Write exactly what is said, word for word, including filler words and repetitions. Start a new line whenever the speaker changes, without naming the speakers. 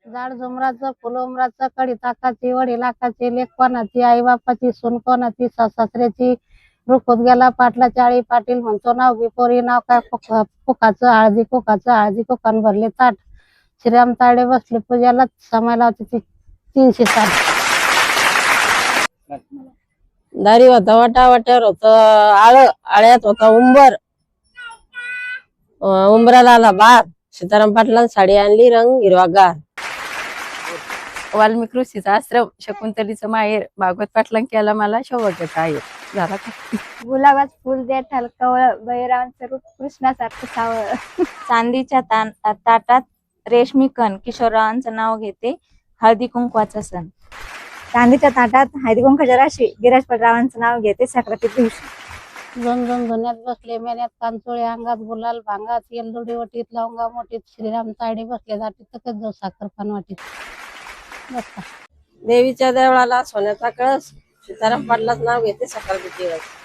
झाड झुमराचं फुल उमराचं कडी ताकाची वडी लाखाची लेख कोणाची आई बापाची सून कोणाची सासऱ्याची रुखत गेला पाटला चाळी पाटील म्हणतो नाव बिपोरी नाव काय कुकाचं हळदी कुकाचं हळदी कुकान भरले ताट श्रीराम ताडे बसले पूजाला समय लावते ती तीनशे साठ दारी होता वाटा वाट्यावर होत आळ आळ्यात होता उंबर उंबराला आला बार सीताराम पाटलां साडी आणली रंग हिरवागार
वाल्मिक ऋषीचा आश्रम शकुंतलीचं माहेर भागवत पाटलां केला मला सौभाग्याचा आहे झाला का
गुलाबात फुल दे ठलकवळ बहिरावांचं रूप कृष्णासारखं सावळ चांदीच्या ताटात रेशमी कण किशोररावांचं नाव घेते हळदी कुंकवाचा सण चांदीच्या ताटात हळदी कुंकवाच्या राशी गिराज पटरावांचं नाव घेते सक्राती दिवशी
दोन दोन धुण्यात बसले मेन्यात कांचोळे अंगात गुलाल भांगात येलदुडी वटीत लवंगा मोठीत श्रीराम ताडी बसले जाती तकच जाऊ साखर पान वाटीत बसता देवीच्या देवळाला सोन्याचा कळस सीताराम पाटलाच नाव घेते सकाळ दिवस